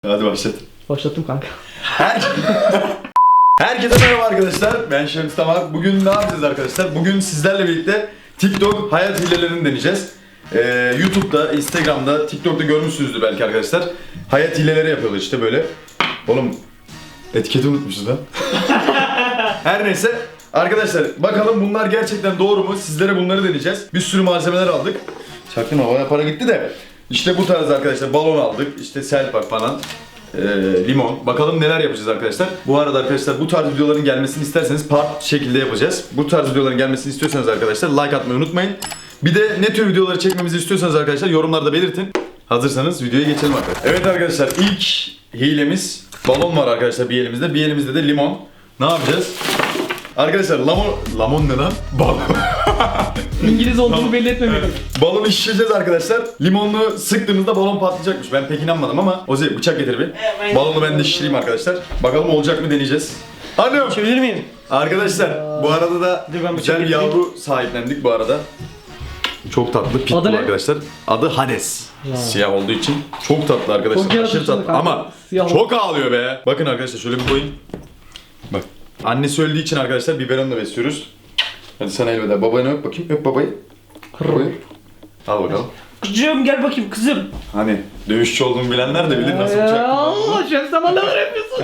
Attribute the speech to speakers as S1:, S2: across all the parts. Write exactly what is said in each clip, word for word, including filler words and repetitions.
S1: Hadi başlat.
S2: Başlattım kanka.
S1: Her... Herkese merhaba arkadaşlar. Ben Şems Tamar. Bugün ne yapacağız arkadaşlar? Bugün sizlerle birlikte TikTok hayat hilelerini deneyeceğiz. Ee, YouTube'da, Instagram'da, TikTok'ta görmüşsünüzdür belki arkadaşlar. Hayat hileleri yapıyorlar işte böyle. Oğlum etiketi unutmuşuz lan. Her neyse. Arkadaşlar bakalım bunlar gerçekten doğru mu? Sizlere bunları deneyeceğiz. Bir sürü malzemeler aldık. Çaktırma, bayağı para gitti de. İşte bu tarz arkadaşlar balon aldık. İşte selpak falan. Ee, limon. Bakalım neler yapacağız arkadaşlar. Bu arada arkadaşlar bu tarz videoların gelmesini isterseniz part şekilde yapacağız. Bu tarz videoların gelmesini istiyorsanız arkadaşlar like atmayı unutmayın. Bir de ne tür videoları çekmemizi istiyorsanız arkadaşlar yorumlarda belirtin. Hazırsanız videoya geçelim arkadaşlar. Evet arkadaşlar ilk hilemiz balon var arkadaşlar bir elimizde. Bir elimizde de limon. Ne yapacağız? Arkadaşlar lamon... Lamon ne lan? Balon.
S2: İngiliz olduğunu belli etmemek.
S1: Balonu şişireceğiz arkadaşlar. Limonlu sıktığımızda balon patlayacakmış. Ben pek inanmadım ama Ozi bıçak getir bir. Balonu ben de şişireyim arkadaşlar. Bakalım olacak mı deneyeceğiz. Alo.
S3: Çevirir miyim?
S1: Arkadaşlar bu arada da
S3: Dur, ben
S1: güzel bir
S3: bıçak
S1: yavru sahiplendik bu arada. Çok tatlı pitbull
S2: Adı ne?
S1: arkadaşlar. Adı Hades.
S2: Ya.
S1: Siyah olduğu için çok tatlı arkadaşlar.
S2: Çok
S1: Aşırı
S2: yaratıcı
S1: tatlı
S2: kanka.
S1: ama
S2: Siyah
S1: çok ağlıyor be. Bakın arkadaşlar şöyle bir koyun. Bak. Annesi öldüğü için arkadaşlar biberonla besliyoruz. Hadi sana elveda. Babayı öp bakayım. Öp babayı. Babayı. Al bakalım.
S3: Kızım gel bakayım kızım.
S1: Hani dövüşçü olduğumu bilenler de bilir nasıl bıçak.
S2: Allah Şems Tamar neler yapıyorsun?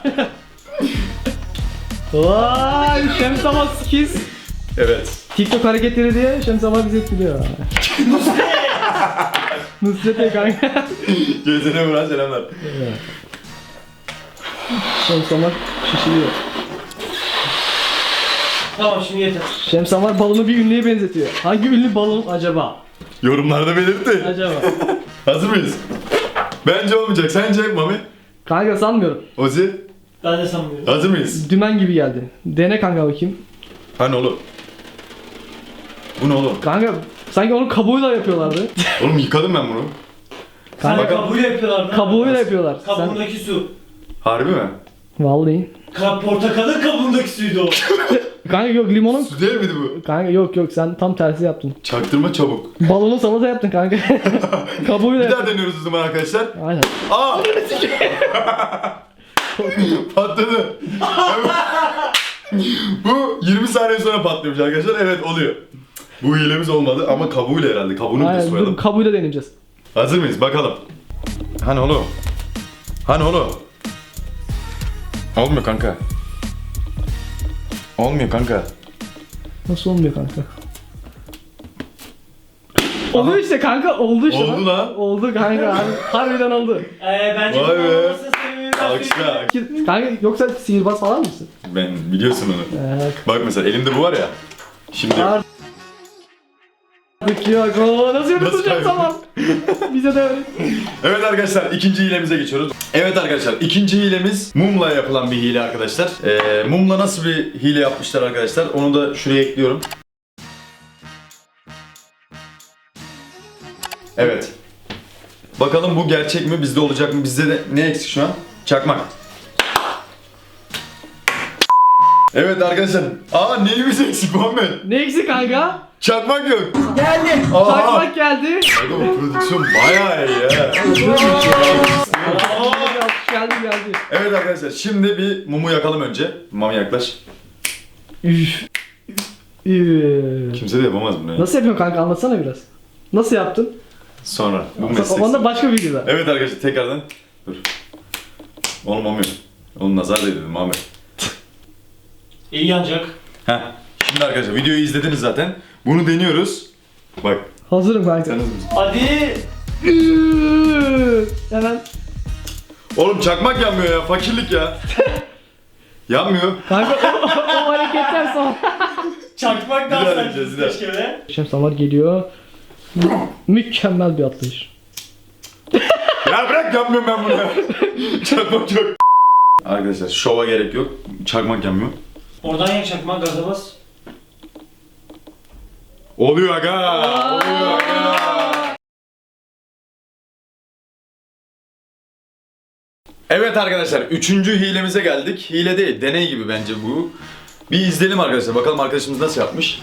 S2: Vay Şems Tamar skills.
S1: Evet.
S2: TikTok hareketleri diye Şems Tamar bizi etkiliyor. Nusret'e kanka.
S1: Gözüne vuran selamlar.
S2: Şems Tamar şişiriyor.
S3: Tamam şimdi yeter.
S2: Şems Tamar balonu bir ünlüye benzetiyor. Hangi ünlü balon acaba?
S1: Yorumlarda belirtti.
S2: Acaba.
S1: Hazır mıyız? Bence olmayacak. Sence Mami?
S2: Kanka sanmıyorum.
S1: Ozi?
S3: Ben de sanmıyorum.
S1: Hazır mıyız?
S2: Dümen gibi geldi. Dene kanka bakayım.
S1: Hani oğlum? Bu ne oğlum?
S2: Kanka sanki onun kabuğuyla yapıyorlardı.
S1: Oğlum yıkadım ben bunu.
S3: Sen
S2: Kanka
S3: kabuğuyla yapıyorlar lan.
S2: kabuğuyla yapıyorlar. Sen...
S3: Kabuğundaki su.
S1: Harbi mi?
S2: Vallahi.
S3: Ka portakalın kabuğundaki suydu o.
S2: Kanka yok limonun...
S1: Su değil miydi bu?
S2: Kanka yok yok sen tam tersi yaptın.
S1: Çaktırma çabuk.
S2: Balonu salata yaptın kanka. Kabuğuyla
S1: Bir daha
S2: yaptın.
S1: deniyoruz o zaman arkadaşlar.
S2: Aynen.
S1: Aa! Patladı. Bu yirmi saniye sonra patlıyormuş arkadaşlar. Evet oluyor. Bu hilemiz olmadı ama kabuğuyla herhalde. Kabuğunu bir de
S2: Aynen
S1: soyalım.
S2: dur kabuğuyla deneyeceğiz.
S1: Hazır mıyız? Bakalım. Hani oğlum? Hani oğlum? Olmuyor kanka. Olmuyor kanka.
S2: Nasıl olmuyor kanka? Oluyor işte kanka oldu işte.
S1: Oldu lan.
S2: Oldu kanka har- harbiden oldu.
S3: Eee bence
S1: Vay be.
S3: olmasın sebebi ben
S1: Alkışla.
S3: söyleyeyim.
S2: Kanka yoksa sihirbaz falan mısın?
S1: Ben biliyorsun onu.
S2: Eee
S1: Bak mesela elimde bu var ya. Şimdi
S2: artık yok. Oo, nasıl yürüteceğim
S1: kaybettin?
S2: tamam. Bize de öyle.
S1: evet arkadaşlar ikinci hilemize geçiyoruz. Evet arkadaşlar ikinci hilemiz mumla yapılan bir hile arkadaşlar. Ee, mumla nasıl bir hile yapmışlar arkadaşlar onu da şuraya ekliyorum. Evet. Bakalım bu gerçek mi? Bizde olacak mı? Bizde de ne eksik şu an? Çakmak. Evet arkadaşlar. Aa neyimiz eksik Muhammed?
S2: Ne eksik kanka?
S1: Çakmak yok.
S2: Geldi.
S1: Aa.
S2: Çakmak geldi.
S1: Aga bu prodüksiyon bayağı iyi ya.
S2: geldi geldi.
S1: Evet arkadaşlar şimdi bir mumu yakalım önce. Mami yaklaş.
S2: Üf. Üf.
S1: Kimse de yapamaz bunu ya.
S2: Nasıl yapıyorsun kanka anlatsana biraz. Nasıl yaptın?
S1: Sonra bu meslek.
S2: Onda başka bir videoda.
S1: Evet arkadaşlar tekrardan. Dur. Oğlum olmuyor. Oğlum nazar değdi dedim Mami.
S3: İyi yanacak.
S1: Heh. Şimdi arkadaşlar videoyu izlediniz zaten. Bunu deniyoruz. Bak.
S2: Hazırım kanka.
S1: Sen hazır mısın?
S3: Hadi.
S2: Üf. Hemen.
S1: Oğlum çakmak yanmıyor ya. Fakirlik ya. Yanmıyor.
S2: Kanka o, o hareketler sonra.
S3: Çakmak
S1: Bir daha
S3: daha
S1: deneyeceğiz, bir
S3: sen
S1: daha.
S3: keşke be.
S2: Şems Tamar geliyor. Mükemmel bir atlayış.
S1: Ya bırak yanmıyorum ben bunu ya. Çakmak yok. Arkadaşlar şova gerek yok. Çakmak yanmıyor.
S3: Oradan yak çakmak gaza bas.
S1: Oluyor aga. Oluyor aga. Evet arkadaşlar üçüncü hilemize geldik. Hile değil deney gibi bence bu. Bir izleyelim arkadaşlar bakalım arkadaşımız nasıl yapmış.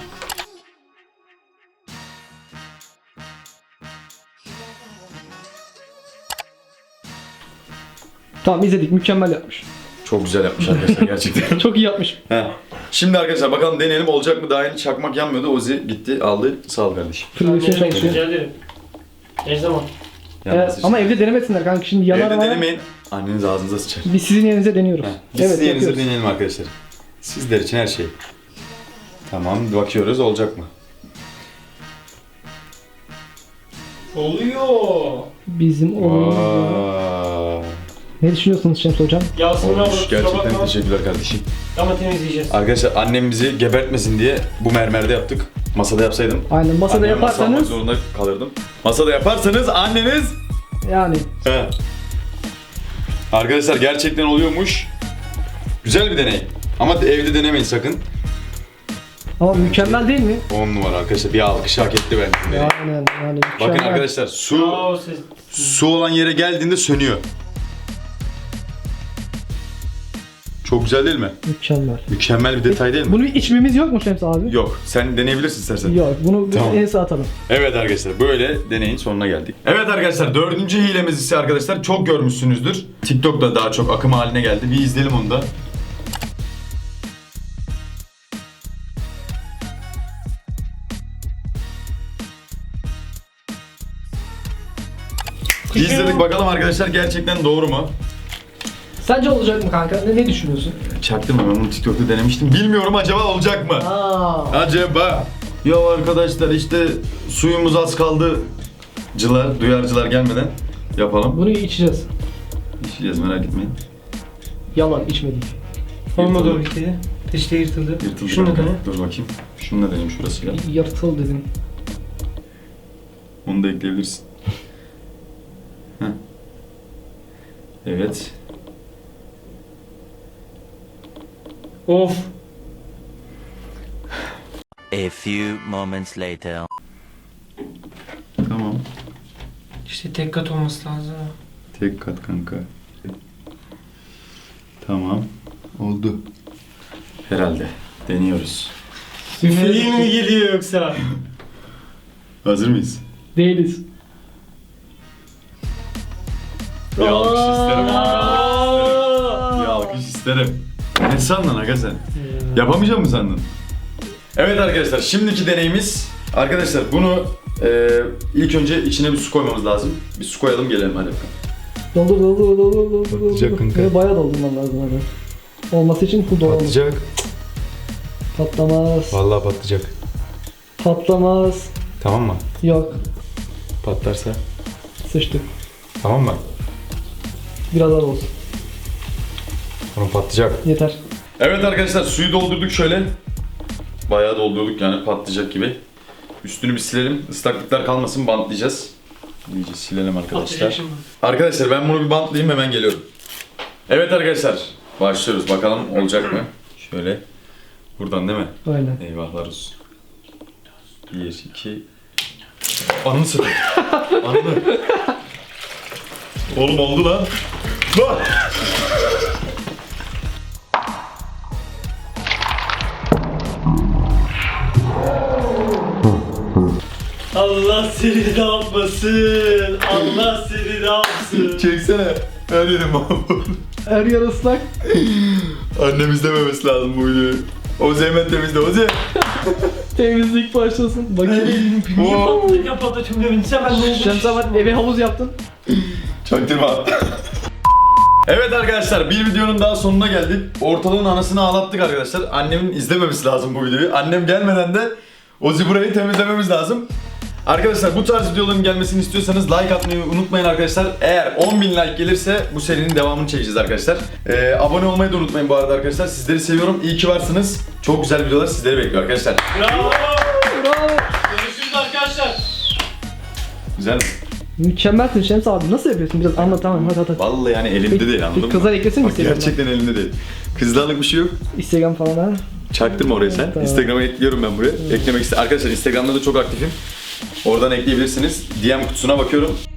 S2: Tamam izledik. Mükemmel yapmış.
S1: Çok güzel yapmış arkadaşlar gerçekten.
S2: Çok iyi yapmış.
S1: He. Şimdi arkadaşlar bakalım deneyelim olacak mı? Daha yeni çakmak yanmıyordu. Ozi gitti aldı. Sağ ol kardeşim.
S2: Prodüksiyon çalışıyor.
S3: Rica ederim. Ne zaman?
S2: Evet, ama evde denemesinler kanka şimdi yanar
S1: Evde
S2: ama
S1: denemeyin. Anneniz ağzınıza sıçar.
S2: biz sizin yerinize deniyoruz.
S1: He. Biz
S2: Evet,
S1: sizin yerinize
S2: yapıyoruz.
S1: deneyelim arkadaşlar. Sizler için her şey. Tamam bakıyoruz olacak mı?
S3: Oluyor.
S2: Bizim oğlumuz.
S1: Vay.
S2: Ne düşünüyorsunuz Şems hocam?
S3: Yasemin abla
S1: Olmuş.
S3: kusura
S1: Gerçekten
S3: bakma.
S1: teşekkürler kardeşim.
S3: Ama temizleyeceğiz.
S1: Arkadaşlar annem bizi gebertmesin diye bu mermerde yaptık. Masada yapsaydım.
S2: Aynen masada
S1: anneme masa almak
S2: yaparsanız
S1: zorunda kalırdım. Masada yaparsanız anneniz...
S2: yani
S1: He. Arkadaşlar gerçekten oluyormuş. Güzel bir deney. Ama evde denemeyin sakın.
S2: ama mükemmel değil mi?
S1: on numara arkadaşlar. Bir alkış hak etti bence.
S2: Aynen yani mükemmel.
S1: Bakın arkadaşlar su
S3: Bravo siz.
S1: su olan yere geldiğinde sönüyor. Çok güzel değil mi?
S2: Mükemmel.
S1: Mükemmel bir detay değil mi?
S2: Bunu içmemiz yok mu Şems abi?
S1: Yok. Sen deneyebilirsin istersen.
S2: Yok. Bunu
S1: Tamam.
S2: en sağa atalım.
S1: Evet arkadaşlar böyle deneyin sonuna geldik. Evet arkadaşlar dördüncü hilemiz ise arkadaşlar çok görmüşsünüzdür. TikTok'ta daha çok akım haline geldi. Bir izleyelim onu da. Bir İzledik bakalım arkadaşlar gerçekten doğru mu?
S2: Sence olacak mı kanka? Ne, ne düşünüyorsun?
S1: Çaktım ben bunu TikTok'ta denemiştim. Bilmiyorum acaba olacak mı?
S2: Aa.
S1: Acaba? Ya arkadaşlar işte suyumuz az kaldı. Cılar, duyarcılar gelmeden yapalım.
S2: Bunu içeceğiz.
S1: İçeceğiz merak etmeyin.
S2: Yalan içmedik.
S3: Olmadı o
S1: Yırtıldı.
S3: bitti. Peşte yırtıldı.
S1: Yırtıldı.
S3: Şunu da
S1: kanka.
S3: dene.
S1: Dur bakayım. Şunu da deneyim şurasıyla.
S2: Yırtıl dedim.
S1: Onu da ekleyebilirsin. Heh. Evet.
S3: Of.
S4: A few moments later.
S1: Tamam.
S3: İşte tek kat olması lazım.
S1: Tek kat kanka. Tamam. Oldu. Herhalde. Deniyoruz.
S3: Üfleyin mi geliyor yoksa?
S1: Hazır mıyız?
S2: Değiliz.
S1: Bir alkış isterim.
S3: Aa!
S1: Bir alkış isterim. Ne sandın aga sen? Yapamayacak mısın sandın? Evet arkadaşlar şimdiki deneyimiz arkadaşlar bunu e, ilk önce içine bir su koymamız lazım. Bir su koyalım gelelim hadi bakalım.
S2: Doldur doldur doldur doldur doldur.
S1: Patlayacak kanka.
S2: Ve bayağı doldurmam lazım hadi. Olması için bu doğru.
S1: Patlayacak.
S2: Patlamaz.
S1: Vallahi patlayacak.
S2: Patlamaz.
S1: Tamam mı?
S2: Yok.
S1: Patlarsa.
S2: Sıçtık.
S1: Tamam mı?
S2: Biraz daha olsun.
S1: Tamam patlayacak.
S2: Yeter.
S1: Evet arkadaşlar suyu doldurduk şöyle. Bayağı doldurduk yani patlayacak gibi. Üstünü bir silelim. Islaklıklar kalmasın bantlayacağız. İyice silelim arkadaşlar.
S3: Patlayacak şimdi.
S1: Arkadaşlar ben bunu bir bantlayayım hemen geliyorum. Evet arkadaşlar başlıyoruz bakalım olacak mı? Şöyle. Buradan değil mi?
S2: Aynen.
S1: Eyvahlar olsun. Bir, iki... Ananı satayım. Ananı. Oğlum oldu lan. Lan!
S3: Allah seni ne yapmasın? Allah seni ne yapsın?
S1: Çeksene. Her yerim mahvoldu.
S2: Her yer ıslak.
S1: Annem izlememesi lazım bu videoyu. Ozi hemen temizle Ozi.
S2: Temizlik başlasın. Bakayım.
S1: Oo.
S3: Patlayıp yapalım tüm devinse ben ne olmuş?
S2: Şems abi eve havuz yaptın.
S1: Çaktırma. Evet arkadaşlar bir videonun daha sonuna geldik. Ortalığın anasını ağlattık arkadaşlar. Annemin izlememesi lazım bu videoyu. Annem gelmeden de Ozi burayı temizlememiz lazım. Arkadaşlar bu tarz videoların gelmesini istiyorsanız like atmayı unutmayın arkadaşlar. Eğer on bin like gelirse bu serinin devamını çekeceğiz arkadaşlar. Ee, abone olmayı da unutmayın bu arada arkadaşlar. Sizleri seviyorum. İyi ki varsınız. Çok güzel videolar sizleri bekliyor arkadaşlar.
S3: Bravo.
S2: Bravo.
S3: Görüşürüz arkadaşlar.
S1: Güzel mi?
S2: Mükemmelsin Şems abi. Nasıl yapıyorsun? Biraz anlat tamam hadi hadi.
S1: Vallahi yani elimde
S2: Peki-
S1: değil anladın
S2: peki
S1: mı?
S2: kızlar eklesin mi
S1: Bak,
S2: Instagram'dan?
S1: gerçekten elimde değil. Kızlarlık bir şey yok.
S2: Instagram falan ha.
S1: Çaktırma oraya sen.
S2: Tamam.
S1: Instagram'a ekliyorum ben buraya. Eklemek istedim. Arkadaşlar Instagram'da da çok aktifim. Oradan ekleyebilirsiniz. D M kutusuna bakıyorum.